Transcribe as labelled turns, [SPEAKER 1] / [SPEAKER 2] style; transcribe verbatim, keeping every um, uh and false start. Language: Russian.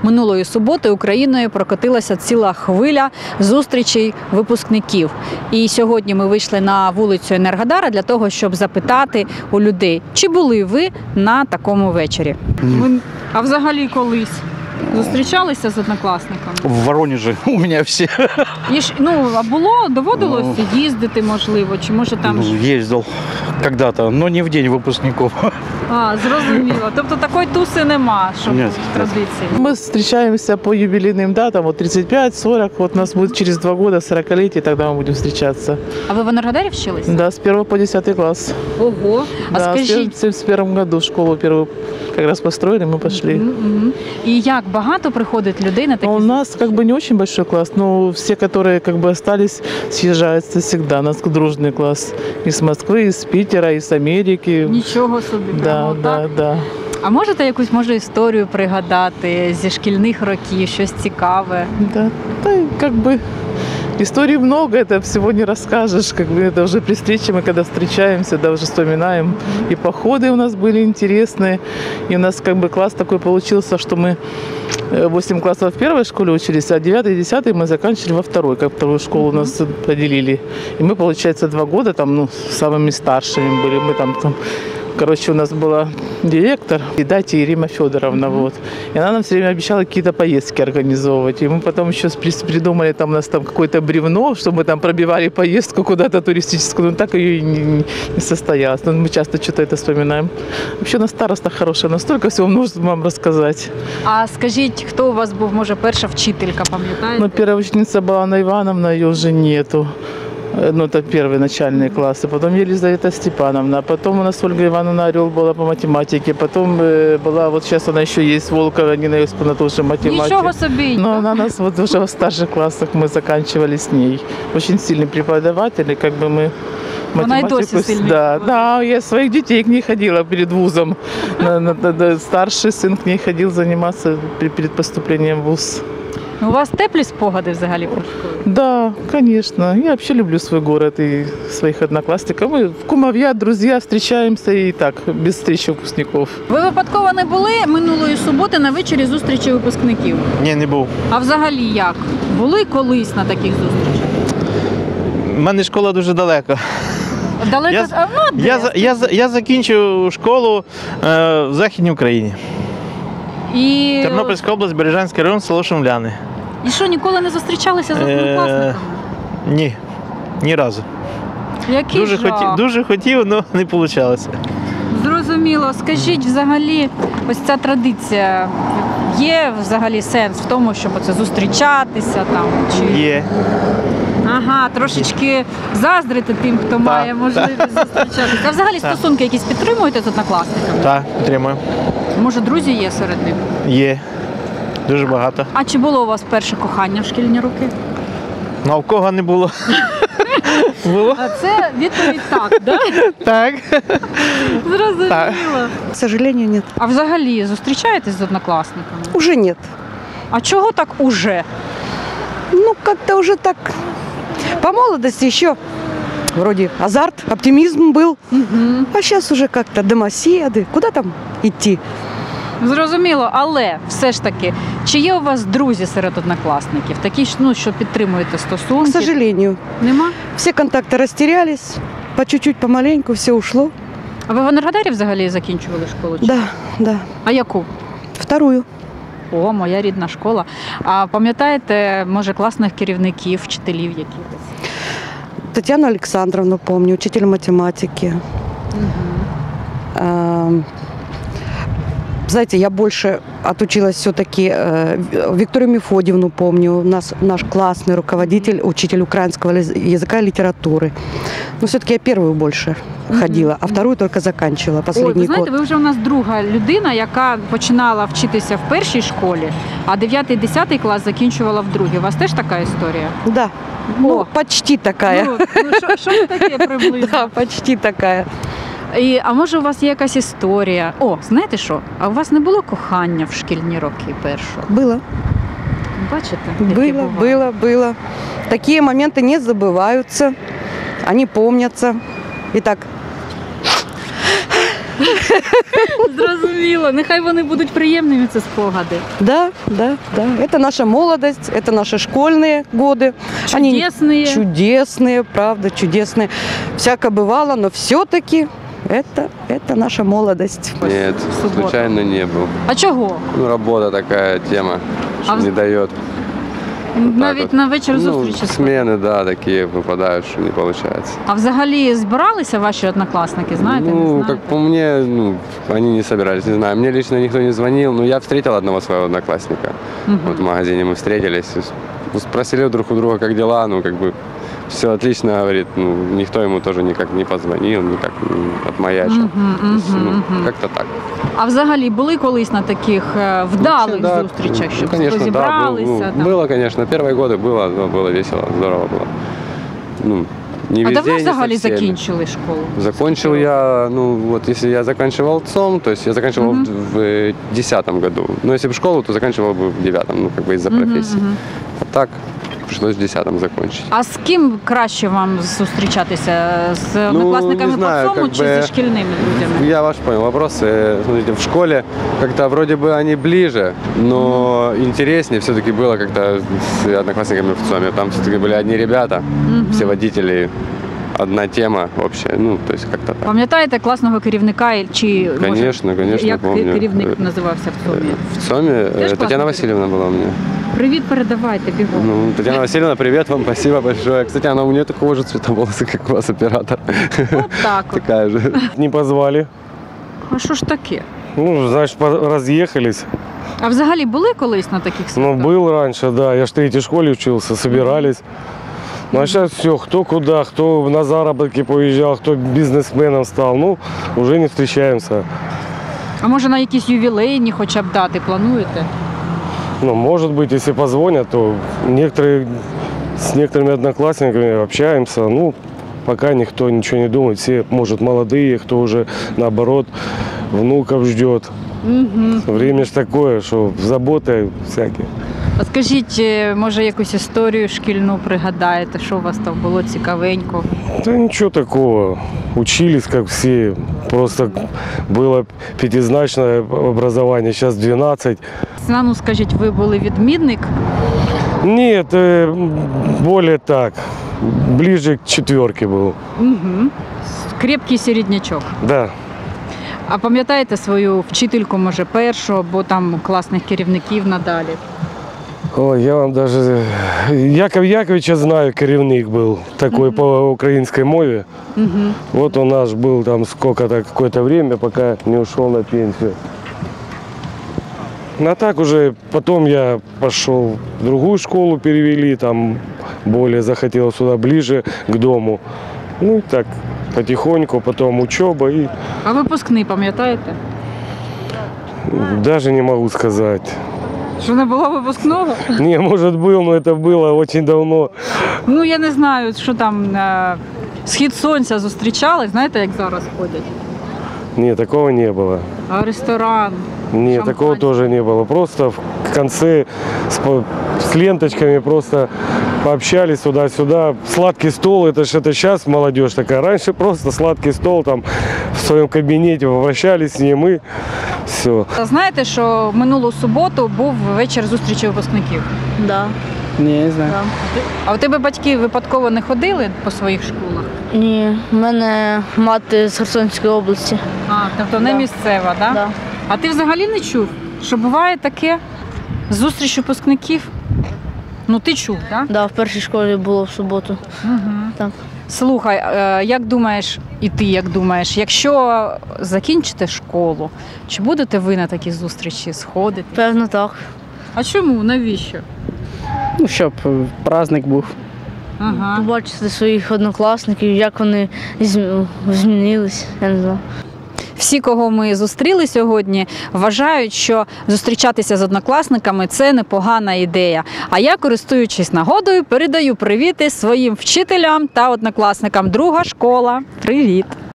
[SPEAKER 1] Минулої суботи Україною прокотилася ціла хвиля зустрічей випускників. І сьогодні ми вийшли на вулицю Енергодара для того, щоб запитати у людей, чи були ви на такому вечорі. Ви... А взагалі колись зустрічалися з однокласниками?
[SPEAKER 2] В Воронеже у мене всі.
[SPEAKER 1] І ж, ну, а було, доводилося ну, їздити, можливо, чи може там...
[SPEAKER 2] Ну, їздив когда-то, но не в день випускників.
[SPEAKER 1] А, зрозуміло. Тобто такої туси нема, щоб
[SPEAKER 2] Нет,
[SPEAKER 1] традиції.
[SPEAKER 3] Мы встречаемся по юбилейным датам, вот тридцать пять сорок, вот у нас будет через два года сорокалетие, тогда мы будем встречаться.
[SPEAKER 1] А ви в Енергодарі вчилися?
[SPEAKER 3] Да, с первого по десятый класс.
[SPEAKER 1] Ого, а
[SPEAKER 3] да,
[SPEAKER 1] скажіть...
[SPEAKER 3] в семьдесят первом году школу первую как раз построили, мы пошли.
[SPEAKER 1] Mm-hmm. И як багато приходить людей на такі?
[SPEAKER 3] У нас как бы не очень большой класс, но все, которые как бы остались, съезжаются всегда. У нас дружный класс из Москвы, из Питера, из Америки.
[SPEAKER 1] Нічого собі.
[SPEAKER 3] Да,
[SPEAKER 1] прямо
[SPEAKER 3] да,
[SPEAKER 1] так?
[SPEAKER 3] да.
[SPEAKER 1] А можете якусь, може, історію пригадати зі шкільних років, щось цікаве?
[SPEAKER 3] Да, да, как бы историй много, это всего не расскажешь. Как бы это уже при встрече, мы когда встречаемся, да, уже вспоминаем. И походы у нас были интересные. И у нас как бы класс такой получился, что мы восемь классов в первой школе учились, а девятый и десятый мы заканчивали во второй, как вторую школу у нас поделили. И мы, получается, два года там, ну, самыми старшими были. Мы там, там Короче, у нас была директор, и дайте Ирина Федоровна, mm-hmm. вот. И она нам все время обещала какие-то поездки организовывать. И мы потом еще придумали, там у нас там какое-то бревно, что мы там пробивали поездку куда-то туристическую, но так ее и не, не состоялось. Но мы часто что-то это вспоминаем. Вообще у нас староста хорошая, настолько всего можно вам рассказать.
[SPEAKER 1] А скажіть, хто у вас був, може, перша вчителька, пам'ятаєте?
[SPEAKER 3] Ну, первая ученица была Анна Ивановна, ее уже нету. Ну, это первые начальные классы. Потом Елизавета Степановна. Потом у нас Ольга Ивановна Орел была по математике. Потом э, была, вот сейчас она еще есть, Волкова Нина Юсповна, тоже математик.
[SPEAKER 1] Ничего себе!
[SPEAKER 3] Но она нас вот уже в старших классах мы заканчивали с ней. Очень сильный преподаватель, и как бы мы математику... Да, да, я своих детей к ней ходила перед вузом. Старший сын к ней ходил заниматься перед поступлением в вуз.
[SPEAKER 1] У вас теплі спогади взагалі про школу?
[SPEAKER 3] Да, конечно. Я вообще люблю свой город и своих одноклассников. Мы кумовья, друзья, встречаемся и так, без встречи выпускников.
[SPEAKER 1] Ви випадково не були минулої суботи на вечорі зустрічі випускників?
[SPEAKER 2] Ні, не був.
[SPEAKER 1] А взагалі як? Були колись на таких зустрічах?
[SPEAKER 2] У мене школа дуже далеко.
[SPEAKER 1] Далеко?
[SPEAKER 2] Я,
[SPEAKER 1] а, ну, де?
[SPEAKER 2] я, я, я закінчив школу е, в Західній Україні.
[SPEAKER 1] І...
[SPEAKER 2] Тернопільська область, Бережанський район, село Шумляни.
[SPEAKER 1] І що, ніколи не зустрічалися з однокласниками?
[SPEAKER 2] Е, ні, ні разу.
[SPEAKER 1] Який
[SPEAKER 2] дуже
[SPEAKER 1] жах?
[SPEAKER 2] хотів, дуже хотів, але не вийшло.
[SPEAKER 1] Зрозуміло. Скажіть, взагалі, ось ця традиція, є взагалі сенс в тому, щоб оце зустрічатися там? Чи...
[SPEAKER 2] Є.
[SPEAKER 1] Ага, трошечки заздрити тим, хто так, має можливість так. зустрічатися. А взагалі так. стосунки якісь підтримуєте з однокласниками?
[SPEAKER 2] Так, підтримую.
[SPEAKER 1] Може, друзі є серед них?
[SPEAKER 2] Є. Дуже багато.
[SPEAKER 1] А чи було у вас перше кохання в шкільні роки?
[SPEAKER 2] Ну, а в кого не було? Було?
[SPEAKER 1] А це відповідь так, да?
[SPEAKER 2] Так.
[SPEAKER 1] Зрозуміло.
[SPEAKER 4] К сожалению, нет.
[SPEAKER 1] А взагалі зустрічаєтесь з однокласниками?
[SPEAKER 4] Уже нет.
[SPEAKER 1] А чого так уже?
[SPEAKER 4] Ну, как-то уже так. По молодости еще вроде азарт, оптимизм был.
[SPEAKER 1] Угу.
[SPEAKER 4] А сейчас уже как-то домоседы. Куда там идти?
[SPEAKER 1] Зрозуміло, але все ж таки, чи є у вас друзі серед однокласників? Такі, ну, що підтримуєте стосунки?
[SPEAKER 4] К сожалению.
[SPEAKER 1] Нема?
[SPEAKER 4] Все контакты растерялись. По чуть-чуть, помаленьку все ушло.
[SPEAKER 1] А ви в Енергодарі взагалі закінчували школу? Чи?
[SPEAKER 4] Да, да.
[SPEAKER 1] А яку?
[SPEAKER 4] Вторую.
[SPEAKER 1] О, моя рідна школа. А пам'ятаєте, може, класних керівників, вчителів якихось?
[SPEAKER 4] Татьяну Александровну помню, учитель математики.
[SPEAKER 1] Угу.
[SPEAKER 4] А, знаете, я больше отучилась все-таки, э, Викторию Мефодьевну помню, у нас наш классный руководитель, учитель украинского языка и литературы. Но все-таки я первую больше mm-hmm. ходила, а вторую только заканчивала, последний
[SPEAKER 1] Ой, ви знаєте,
[SPEAKER 4] год.
[SPEAKER 1] ви вже у нас друга людина, яка починала вчитися в першій школі, а дев'ятий-десятий клас закінчувала в другій. У вас теж така історія?
[SPEAKER 4] Да, ну, почти такая.
[SPEAKER 1] Ну, ну що це таке приблизно?
[SPEAKER 4] Да, почти такая.
[SPEAKER 1] І, а може у вас є якась історія? О, знаєте що? А у вас не було кохання в шкільні роки першого?
[SPEAKER 4] Было.
[SPEAKER 1] Бачите?
[SPEAKER 4] Было, было, было. Такие моменты не забываются, они помнятся. Итак,
[SPEAKER 1] Зрозуміло. Нехай вони будуть приємними, ці спогади.
[SPEAKER 4] Да, да, да. Это наша молодость, это наши школьные годы.
[SPEAKER 1] Чудесные.
[SPEAKER 4] Они чудесные, правда, чудесные. Всяко бывало, но все-таки это, это наша молодость.
[SPEAKER 5] Нет,
[SPEAKER 1] Суббота.
[SPEAKER 5] случайно не был.
[SPEAKER 1] А чого?
[SPEAKER 5] Ну, работа такая тема, что
[SPEAKER 1] А в-
[SPEAKER 5] не дает.
[SPEAKER 1] Навіть
[SPEAKER 5] вот.
[SPEAKER 1] на вечір
[SPEAKER 5] Ну,
[SPEAKER 1] зустрічі. сходити.
[SPEAKER 5] смены, да, такие выпадают, что не получается.
[SPEAKER 1] А взагалі збиралися ваші однокласники, знаєте, не
[SPEAKER 5] ну,
[SPEAKER 1] знаєте?
[SPEAKER 5] как по мне, ну, они не собирались, не знаю. Мне лично никто не звонил, но я встретил одного своего одноклассника.
[SPEAKER 1] Мгм.
[SPEAKER 5] Вот в магазине мы встретились, ну, спросили друг у друга, как дела, ну, как бы все отлично, говорит, ну, никто ему тоже никак не позвонил, никак не отмаячил.
[SPEAKER 1] Мгм,
[SPEAKER 5] То есть,
[SPEAKER 1] мгм,
[SPEAKER 5] ну,
[SPEAKER 1] мгм.
[SPEAKER 5] как-то так.
[SPEAKER 1] А взагалі були колись на таких е, вдалих
[SPEAKER 5] Вообще, да,
[SPEAKER 1] зустрічах,
[SPEAKER 5] ну,
[SPEAKER 1] щоб
[SPEAKER 5] конечно, да, был-
[SPEAKER 1] зібралися?
[SPEAKER 5] ну,
[SPEAKER 1] там?
[SPEAKER 5] было, конечно, первые годы было, но было весело, здорово было. Ну, не
[SPEAKER 1] А
[SPEAKER 5] везде,
[SPEAKER 1] давно
[SPEAKER 5] не со
[SPEAKER 1] взагалі
[SPEAKER 5] всеми.
[SPEAKER 1] закінчили школу?
[SPEAKER 5] Закончил я, ну вот если я заканчивал ЦОМ, то есть я заканчивал
[SPEAKER 1] Мгм.
[SPEAKER 5] в, в десятом году. Но если бы школу, то заканчивал бы в девятом, ну как бы из-за
[SPEAKER 1] Мгм,
[SPEAKER 5] профессии.
[SPEAKER 1] мгм.
[SPEAKER 5] А так пришлось в десятом закончить.
[SPEAKER 1] А з ким краще вам зустрічатися? З однокласниками
[SPEAKER 5] не знаю,
[SPEAKER 1] по цьому
[SPEAKER 5] как
[SPEAKER 1] чи
[SPEAKER 5] бы-
[SPEAKER 1] зі шкільними друзями?
[SPEAKER 5] Я ваш понял вопрос. Э, Смотрите, в школе как-то вроде бы они ближе, но интереснее все-таки было как-то с одноклассниками в ЦОМе. Там все-таки были одни ребята,
[SPEAKER 1] Мгм.
[SPEAKER 5] все водители, одна тема общая, ну, то есть как-то так.
[SPEAKER 1] Пам'ятаєте класного керівника і- чи може,
[SPEAKER 5] Конечно, конечно,
[SPEAKER 1] як
[SPEAKER 5] помню.
[SPEAKER 1] керівник
[SPEAKER 5] Э,
[SPEAKER 1] називався в ЦОМі?
[SPEAKER 5] В ЦОМе э,
[SPEAKER 1] Тоже классный
[SPEAKER 5] Татьяна Васильевна была у меня.
[SPEAKER 1] Привіт, передавайте бігом.
[SPEAKER 5] Ну, Татьяна Васильевна, привет вам, спасибо большое. Кстати, она у нее такого же цвета волосы, как у вас, оператор.
[SPEAKER 1] От так от.
[SPEAKER 5] Такая же.
[SPEAKER 6] Не позвали.
[SPEAKER 1] А що ж таке?
[SPEAKER 6] Ну, значит, по- разъехались.
[SPEAKER 1] А взагалі були колись на таких
[SPEAKER 6] Ну,
[SPEAKER 1] святах?
[SPEAKER 6] был раньше, да. Я ж в третьей школе учился, собирались. Ну, а сейчас все, кто куда, кто на заработки поезжал, кто бизнесменом стал. Ну, уже не встречаемся.
[SPEAKER 1] А може на якісь ювілейні хоча б дати плануєте?
[SPEAKER 6] Ну, может быть, если позвонят, то некоторые, с некоторыми одноклассниками общаемся. Ну, пока никто ничего не думает. Все, может, молодые, кто уже, наоборот, внуков ждет.
[SPEAKER 1] Угу.
[SPEAKER 6] Время ж такое, что заботы всякие.
[SPEAKER 1] А скажіть, е, може якусь історію шкільну пригадаєте, що у вас там було цікавенько?
[SPEAKER 6] Да ничего такого. Учились, как все. Просто было пятизначное образование, сейчас двенадцать.
[SPEAKER 1] А ну скажіть, ви були відмінник?
[SPEAKER 6] Нет, э, более так. Ближе к четверке был.
[SPEAKER 1] Угу. Крепкий середнячок.
[SPEAKER 6] Да.
[SPEAKER 1] А пам'ятаєте свою вчительку, може, першу, або там класних керівників надалі?
[SPEAKER 6] Ой, я вам даже... Яков Яковича знаю, керівник был такой
[SPEAKER 1] Мгм.
[SPEAKER 6] по украинской мове.
[SPEAKER 1] Угу.
[SPEAKER 6] Вот он наш был там сколько-то, какое-то время, пока не ушел на пенсию. Ну, а так уже потом я пошел в другую школу, перевели, там более захотел сюда, ближе к дому. Ну и так, потихоньку, потом учеба и
[SPEAKER 1] А випускний пам'ятаєте?
[SPEAKER 6] даже не могу сказать.
[SPEAKER 1] Що не було випускного?
[SPEAKER 6] Не, может был, но это было очень давно.
[SPEAKER 1] Ну я не знаю, що там е, схід сонця зустрічали, знаєте, як зараз ходять.
[SPEAKER 6] Нет, такого не было.
[SPEAKER 1] А ресторан.
[SPEAKER 6] Нет,
[SPEAKER 1] Шампанское.
[SPEAKER 6] такого тоже не было. Просто в конце с, по- с ленточками просто пообщались туда-сюда. Сладкий стол, это же это сейчас молодежь такая. Раньше просто сладкий стол там в своем кабинете попрощались с ним и все.
[SPEAKER 1] Знаєте, що в минулу суботу був вечір зустрічі випускників?
[SPEAKER 7] Да.
[SPEAKER 8] Ні, не знаю.
[SPEAKER 1] А у тебе батьки випадково не ходили по своїх школах?
[SPEAKER 7] Ні, в мене мати з Херсонської області.
[SPEAKER 1] А, тобто не
[SPEAKER 7] Да.
[SPEAKER 1] місцева, так?
[SPEAKER 7] Да.
[SPEAKER 1] А ти взагалі не чув, що буває таке зустріч випускників? Ну ти чув, так?
[SPEAKER 7] Да, в першій школі було в суботу.
[SPEAKER 1] Угу.
[SPEAKER 7] Так.
[SPEAKER 1] Слухай, е, як думаєш, і ти як думаєш, якщо закінчите школу, чи будете ви на такі зустрічі сходити?
[SPEAKER 7] Певно, так.
[SPEAKER 1] А чому? Навіщо?
[SPEAKER 8] Ну, щоб е, праздник був.
[SPEAKER 1] Ага.
[SPEAKER 7] Побачити своїх однокласників, як вони зм- змінились, я не знаю.
[SPEAKER 1] Всі, кого ми зустріли сьогодні, вважають, що зустрічатися з однокласниками – це непогана ідея. А я, користуючись нагодою, передаю привіти своїм вчителям та однокласникам. Друга школа. Привіт!